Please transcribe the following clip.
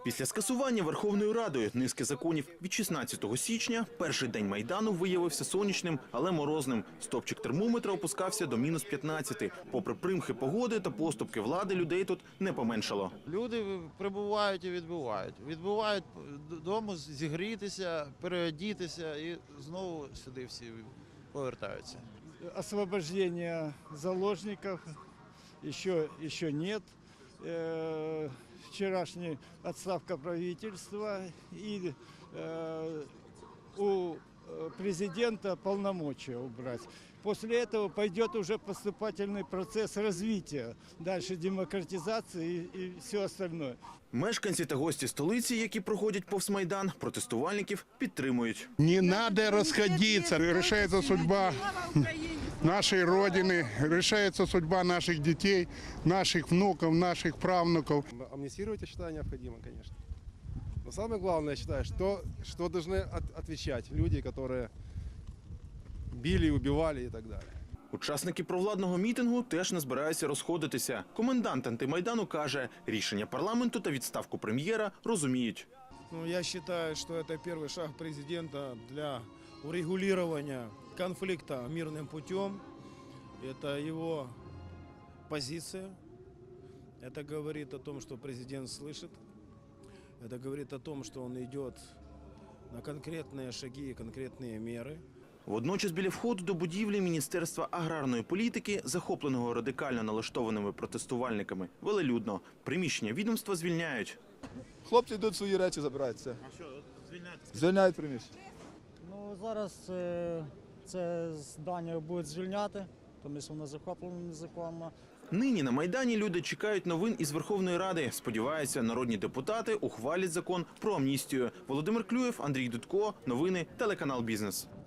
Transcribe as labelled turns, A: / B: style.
A: Після скасування Верховною Радою низки законів від 16 січня перший день Майдану виявився сонячним, але морозним. Стопчик термометра опускався до мінус 15. Попри примхи погоди та поступки влади, людей тут не поменшало.
B: Люди прибувають і відбувають. Відбувають додому зігрітися, переодітися і знову сюди всі повертаються.
C: Освобождение заложников еще нет. Вчерашняя отставка правительства и у президента полномочия убрать. После этого пойдет уже поступательный процесс развития, дальше демократизации и все остальное.
A: Мешканці та гості столиці, які проходять повз Майдан, протестувальників підтримують.
D: Не надо расходиться, решается судьба нашей Родины, решается судьба наших детей, наших внуков, наших правнуков.
E: Амнистировать, я считаю, необходимо, конечно. Но самое главное, я считаю, что должны отвечать люди, которые били, убивали и так далее.
A: Учасники провладного мітингу теж не збираються розходитися. Комендант антимайдану каже, рішення парламенту та відставку прем'єра розуміють.
F: Я считаю, что это первый шаг президента для урегулирования конфликта мирным путем. Это его позиция. Это говорит о том, что президент слышит. Это говорит о том, что он идет на конкретные шаги и конкретные меры.
A: Водночас біля входу до будівлі Міністерства аграрної політики, захопленого радикально налаштованими протестувальниками, велелюдно. Приміщення відомства звільняють.
G: Хлопці йдуть свої речі, забираються. А що, звільняють приміщення?
H: Ну, зараз це здання будуть звільняти, тому що воно захоплено незаконно.
A: Нині на Майдані люди чекають новин із Верховної Ради. Сподіваються, народні депутати ухвалять закон про амністію. Володимир Клюєв, Андрій Дудко. Новини, телеканал «Бізнес».